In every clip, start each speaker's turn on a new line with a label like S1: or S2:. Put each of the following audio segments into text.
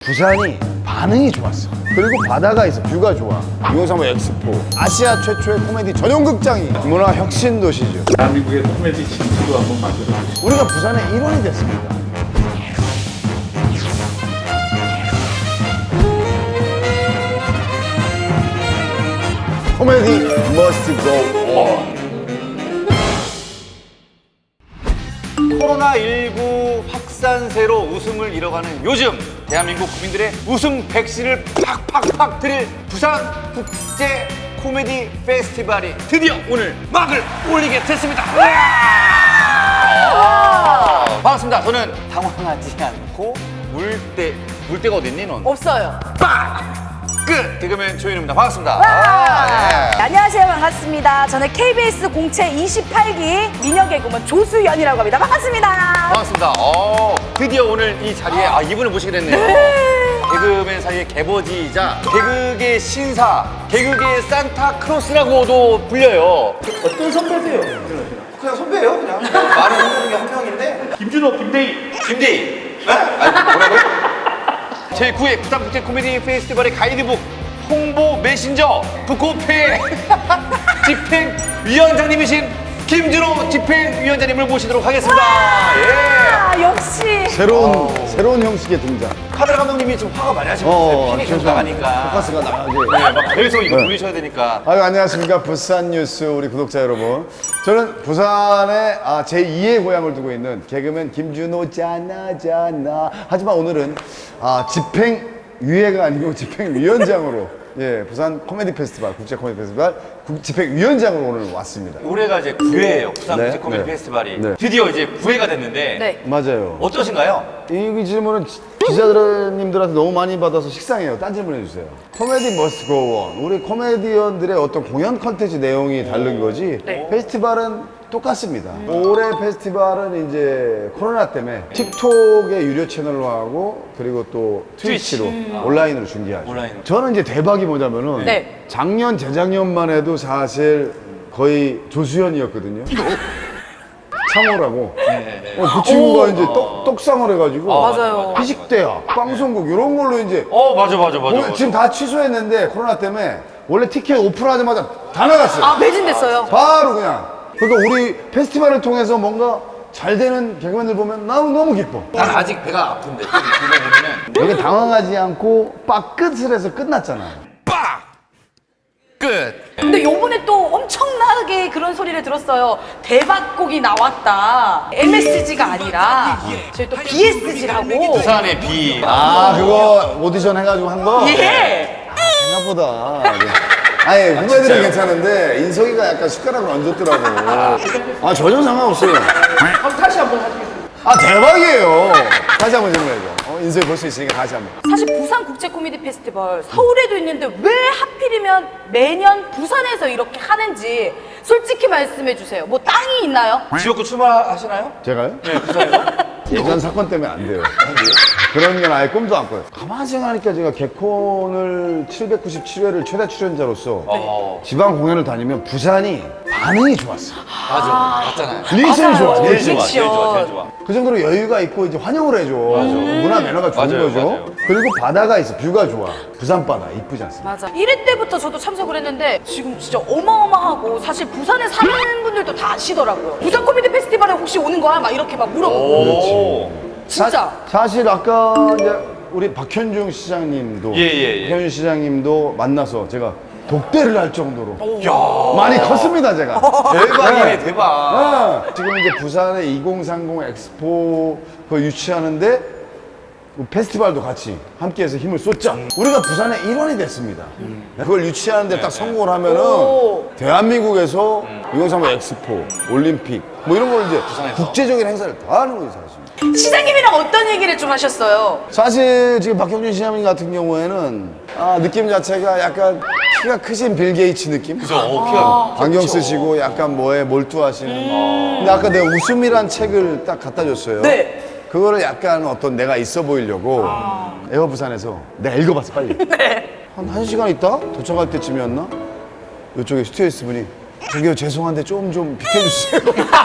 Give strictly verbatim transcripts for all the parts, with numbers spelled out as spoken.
S1: 부산이 반응이 좋았어. 그리고 바다가 있어, 뷰가 좋아. 이공삼오 엑스포, 아시아 최초의 코미디 전용 극장이 문화 혁신 도시죠.
S2: 대한민국의 코미디 진수도 한번 만들어 주시죠.
S1: 우리가 부산의 일원이 됐습니다. 코미디 must go on.
S3: 코로나십구 확산세로 웃음을 잃어가는 요즘 대한민국 국민들의 웃음 백신을 팍팍팍 드릴 부산 국제 코미디 페스티벌이 드디어 오늘 막을 올리게 됐습니다. 반갑습니다. 저는 당황하지 않고 물대 물대가 어딨니 넌?
S4: 없어요.
S3: 빡! 끝! 개그맨 조현우입니다. 반갑습니다.
S4: 와!
S3: 아, 예.
S4: 안녕하세요. 반갑습니다. 저는 케이비에스 공채 이십팔 기 미녀 개그맨 조수연이라고 합니다. 반갑습니다.
S3: 반갑습니다. 어, 드디어 오늘 이 자리에 아, 이분을 모시게 됐네요. 개그맨 사이의 개버지이자 개그계 신사, 개그계 산타크로스라고도 불려요.
S5: 어떤 선배세요? 그냥 선배예요, 그냥. 말이 있는 게 한 명인데.
S2: 김준호, 김대희.
S3: 김대희. 네? 아니, 뭐라고요? 제구 회 부산국제 코미디 페스티벌의 가이드북 홍보 메신저 북코페 집행위원장님이신 김준호 집행위원장님을 모시도록 하겠습니다. 예.
S4: 아, 역시.
S1: 새로운 새로운 형식의 등장.
S3: 카메라 감독님이 지금 화가 많이 하시고
S1: 어,
S3: 있어요. 핀이 계속 나가니까.
S1: 포커스가 나가게.
S3: 네, 막 계속 이거
S1: 네.
S3: 돌리셔야 되니까.
S1: 아유, 안녕하십니까. 부산 뉴스 우리 구독자 여러분. 저는 부산에 아, 제이의 고향을 두고 있는 개그맨 김준호 잖아잖아. 하지만 오늘은 아, 집행위회가 아니고 집행위원장으로 예, 부산 코미디 페스티벌, 국제 코미디 페스티벌 국- 집행위원장으로 오늘 왔습니다.
S3: 올해가 이제 구 회예요. 부산
S1: 네,
S3: 국제 코미디
S1: 네.
S3: 페스티벌이.
S1: 네.
S3: 드디어 이제 구 회가 됐는데
S4: 네.
S1: 맞아요.
S3: 어떠신가요?
S1: 이 질문은 지- 기자님들한테 너무 많이 받아서 식상해요. 딴 질문 해주세요. 코미디 머스트 고 온. 우리 코미디언들의 어떤 공연 컨텐츠 내용이 다른 거지
S4: 네.
S1: 페스티벌은 똑같습니다. 올해 페스티벌은 이제 코로나 때문에 틱톡의 유료 채널로 하고 그리고 또 트위치로 온라인으로 중계하죠.
S3: 온라인으로.
S1: 저는 이제 대박이 뭐냐면은
S4: 네.
S1: 작년, 재작년만 해도 사실 거의 조수현이었거든요. 상호라고. 어, 그 친구가 이제 떡, 떡상을 해가지고
S3: 아,
S4: 맞아요.
S1: 피식대학, 방송국 이런 걸로 이제
S3: 어, 맞아, 맞아, 맞아.
S1: 오늘
S3: 맞아.
S1: 지금 다 취소했는데 코로나 때문에 원래 티켓 오픈하자마자 다 나갔어요.
S4: 아, 매진됐어요.
S1: 바로 그냥. 그러니까 우리 페스티벌을 통해서 뭔가 잘 되는 개그맨들 보면 너무 너무 기뻐.
S3: 난 아직 배가 아픈데 지금 보면은
S1: 여기 당황하지 않고 빡 끝을 해서 끝났잖아요.
S3: 빡! 끝!
S4: 근데 요번에 또 엄청나게 그런 소리를 들었어요. 대박곡이 나왔다. 엠에스지가 아니라 저희 또 비에스지라고.
S3: 부산의 비.
S1: 아 그거 오디션 해가지고 한 거?
S4: 예.
S1: 생각보다. 아니 후배들은 괜찮은데 인석이가 약간 숟가락을 얹었더라고. 아 전혀 상관없어요.
S5: 그럼 다시 한번 하시겠습니다.
S1: 아 대박이에요. 다시 한번 질문해줘. 어, 인석이 볼 수 있으니까 다시 한번.
S4: 사실 부산 국제 코미디 페스티벌 서울에도 있는데 왜 하필이면 매년 부산에서 이렇게 하는지 솔직히 말씀해 주세요. 뭐 땅이 있나요?
S3: 지역구 출마하시나요?
S1: 제가요?
S3: 네, 부산에서.
S1: 예전 사건 때문에 안 돼요. 그런 건 아예 꿈도 안 꿔요. 가만히 생각하니까 제가 개콘을 칠백구십칠 회를 최다 출연자로서
S3: 어,
S1: 지방 공연을 다니면 부산이 반응이 좋았어.
S3: 맞아. 맞잖아요.
S1: 리액션이 좋아.
S4: 맞아요.
S3: 제일
S1: 리액션.
S3: 좋아, 제일 좋아, 제일 좋아.
S1: 그 정도로 여유가 있고 이제 환영을 해줘. 문화 매너가 좋은
S3: 맞아요,
S1: 거죠.
S3: 맞아요.
S1: 그리고 바다가 있어. 뷰가 좋아. 부산 바다 이쁘지 않습니까?
S4: 맞아. 일 회 때부터 저도 참석을 했는데 지금 진짜 어마어마하고 사실 부산에 사는 분들도 다 아시더라고요. 부산 코미디 페스티벌에 혹시 오는 거야? 막 이렇게 막 물어보고.
S3: 오.
S4: 진짜.
S1: 사, 실 아까 이제 우리 박현중 시장님도
S3: 예, 예, 예.
S1: 박현중 시장님도 만나서 제가 독대를 할 정도로
S3: 야.
S1: 많이 컸습니다 제가.
S3: 대박이네,
S1: 네.
S3: 대박.
S1: 아, 지금 이제 부산에 이공삼공 엑스포 그거 유치하는데 뭐 페스티벌도 같이 함께해서 힘을 쏟자. 우리가 부산의 일원이 됐습니다. 그걸 유치하는데 딱 성공을 하면은
S4: 오.
S1: 대한민국에서 이공삼공 엑스포, 올림픽 뭐 이런 걸 이제
S3: 부산에서.
S1: 국제적인 행사를 다 하는 거죠 사실.
S4: 시장님이랑 어떤 얘기를 좀 하셨어요?
S1: 사실 지금 박형준 시장님 같은 경우에는 아, 느낌 자체가 약간 키가 크신 빌 게이츠 느낌?
S3: 그죠, 어, 키가.
S1: 안경 쓰시고 약간 뭐에 몰두하시는. 근데 아까 내가 웃음이란 책을 딱 갖다 줬어요.
S4: 네.
S1: 그거를 약간 어떤 내가 있어 보이려고 에어 부산에서 내가 읽어봤어 빨리. 한 한 시간 있다 도착할 때쯤이었나? 이쪽에 스튜어디스 분이 저기요 죄송한데 좀 좀 비켜주세요.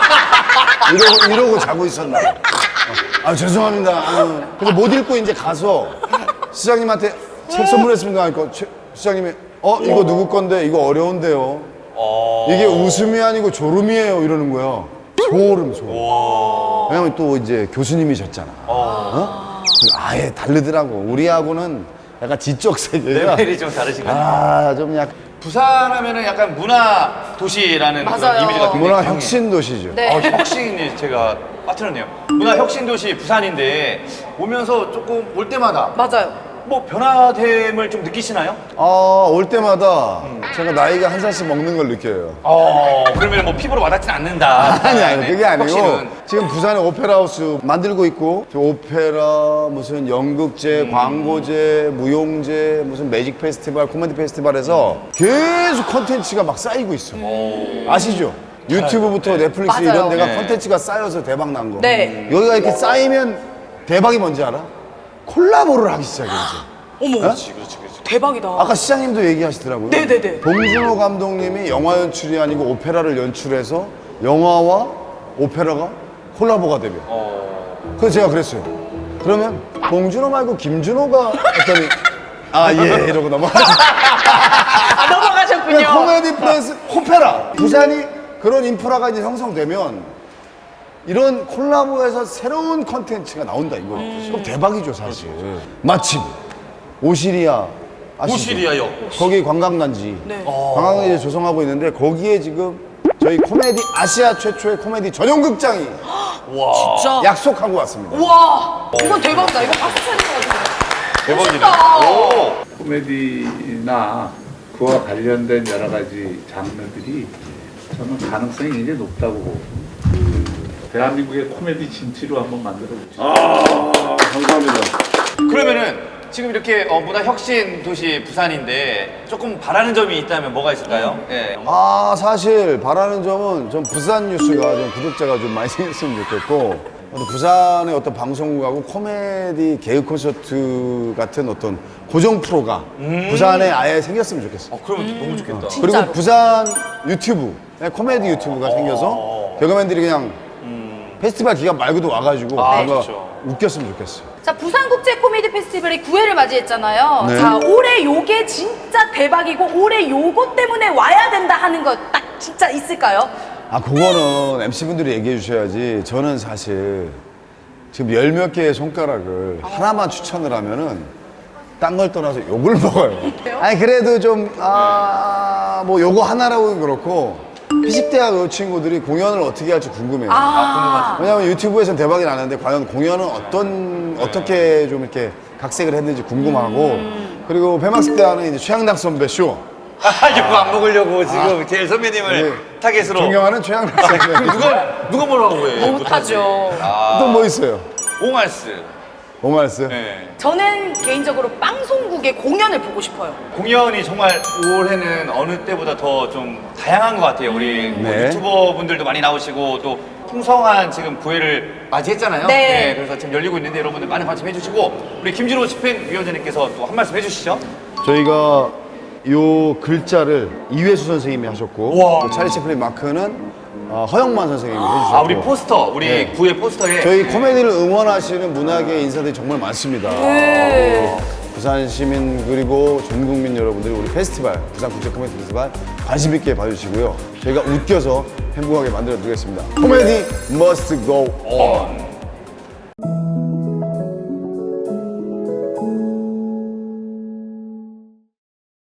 S1: 이러고 이러고 자고 있었나? 아 죄송합니다. 아, 그래서 못 읽고 이제 가서 시장님한테 책 선물했습니다 하니까 최- 시장님이 어 이거 누구 건데 이거 어려운데요. 이게 웃음이 아니고 졸음이에요 이러는 거야. 소름 소름. 왜냐면 또 이제 교수님이셨잖아. 어? 아예 다르더라고. 우리하고는 약간 지적 세계가
S3: 레벨이 좀 다르신가요?
S1: 아좀 약간
S3: 부산 하면은 약간 문화 도시라는 그런
S4: 맞아요.
S3: 이미지가 굉장히
S1: 문화
S3: 강해요.
S1: 혁신 도시죠.
S4: 네.
S3: 어, 혁신이 제가 빠뜨렸네요. 문화 혁신 도시 부산인데 오면서 조금 올 때마다
S4: 맞아요.
S3: 뭐 변화됨을 좀 느끼시나요?
S1: 아, 올 때마다 제가 나이가 한 살씩 먹는 걸 느껴요.
S3: 어, 그러면 뭐 피부로 와닿진 않는다.
S1: 아니, 아니, 그게 아니고.
S3: 혁신은.
S1: 지금 부산에 오페라 하우스 만들고 있고, 저 오페라, 무슨 연극제, 광고제, 무용제, 무슨 매직 페스티벌, 코미디 페스티벌에서 계속 컨텐츠가 막 쌓이고 있어. 아시죠? 유튜브부터 넷플릭스
S4: 맞아요.
S1: 이런 데가
S3: 네.
S1: 컨텐츠가 쌓여서 대박 난 거.
S4: 네.
S1: 여기가 이렇게 쌓이면 대박이 뭔지 알아? 콜라보를 하기 시작해, 이제.
S4: 어머,
S3: 그렇지, 그렇지, 그렇지.
S4: 대박이다.
S1: 아까 시장님도 얘기하시더라고요.
S4: 네네네.
S1: 봉준호 감독님이 영화 연출이 아니고 오페라를 연출해서 영화와 오페라가 콜라보가 되면. 그래서 제가 그랬어요. 그러면 봉준호 말고 김준호가 했더니 아 예 이러고 넘어가지.
S4: 아, 넘어가셨군요.
S1: 그냥 코미디 플러스 오페라. 부산이 그런 인프라가 이제 형성되면 이런 콜라보에서 새로운 컨텐츠가 나온다 이거. 그럼 대박이죠 사실. 마침 오시리아 아시죠?
S3: 오시리아요.
S1: 거기 관광단지.
S4: 네.
S1: 관광단지 조성하고 있는데 거기에 지금 저희 코미디 아시아 최초의 코미디 전용 극장이
S4: 진짜.
S1: 약속하고 왔습니다.
S4: 우와, 이건 대박이다. 이거 박수 쳐야 될것 같은데.
S3: 대박이네.
S4: 멋있다.
S3: 오.
S2: 코미디나 그와 관련된 여러 가지 장르들이 저는 가능성이 굉장히 높다고 보고 대한민국의 코미디 진치로 한번 만들어 보시죠.
S1: 아 감사합니다.
S3: 그러면은 지금 이렇게 어, 문화 혁신 도시 부산인데 조금 바라는 점이 있다면 뭐가 있을까요? 예.
S1: 아 사실 바라는 점은 전 부산 뉴스가 좀 구독자가 좀 많이 생겼으면 좋겠고 또 부산의 어떤 방송국하고 코미디 개그 콘서트 같은 어떤 고정 프로가 부산에 아예 생겼으면 좋겠어요.
S3: 어, 그러면 너무 좋겠다.
S4: 진짜로.
S1: 그리고 부산 유튜브, 네, 코미디 유튜브가 생겨서 개그맨들이 그냥 페스티벌 기간 말고도 와가지고
S3: 아,
S1: 뭔가
S3: 좋죠.
S1: 웃겼으면 좋겠어요.
S4: 자, 부산국제 코미디 페스티벌이 구 회를 맞이했잖아요.
S1: 네.
S4: 자, 올해 요게 진짜 대박이고 올해 요거 때문에 와야 된다 하는 거 딱 진짜 있을까요?
S1: 아 그거는 엠씨분들이 얘기해 주셔야지. 저는 사실 지금 열 몇 개의 손가락을 하나만 추천을 하면은 딴 걸 떠나서 욕을 먹어요. 아니 그래도 좀 아 뭐 요거 하나라고는 그렇고 피식대학 친구들이 공연을 어떻게 할지 궁금해요.
S4: 아,
S1: 왜냐면 유튜브에서는 대박이 나는데 과연 공연은 어떤 어떻게 좀 이렇게 각색을 했는지 궁금하고 그리고 폐막식 때 하는 이제 최양락 선배 쇼.
S3: 아, 이거 안 먹으려고 지금 제일 선배님을
S1: 네.
S3: 타겟으로.
S1: 존경하는 최양락 선배.
S3: 누가 누가 뭐라고 해?
S4: 못하죠.
S1: 또 뭐 있어요?
S3: 옹알스.
S1: 오말스.
S3: 네.
S4: 저는 개인적으로 방송국의 공연을 보고 싶어요.
S3: 공연이 정말 올해는 어느 때보다 더 좀 다양한 것 같아요. 우리 뭐
S1: 네.
S3: 유튜버 분들도 많이 나오시고 또 풍성한 지금 구회를 맞이했잖아요.
S4: 네.
S3: 그래서 지금 열리고 있는데 여러분들 많은 관심 해주시고 우리 김진호 집행위원장님께서 또 한 말씀 해주시죠.
S1: 저희가 요 글자를 이회수 선생님이 하셨고
S3: 우와.
S1: 또 찰리 채플린 마크는 어, 허영만 선생님이 해주셨고
S3: 아, 우리 포스터, 우리
S1: 네.
S3: 구회 포스터에
S1: 저희 코미디를 응원하시는 문화계 인사들이 정말 많습니다.
S4: 네.
S1: 부산 시민 그리고 전 국민 여러분들이 우리 페스티벌 부산 국제 코미디 페스티벌 관심 있게 봐주시고요. 저희가 웃겨서 행복하게 만들어 드리겠습니다. 코미디 must go on.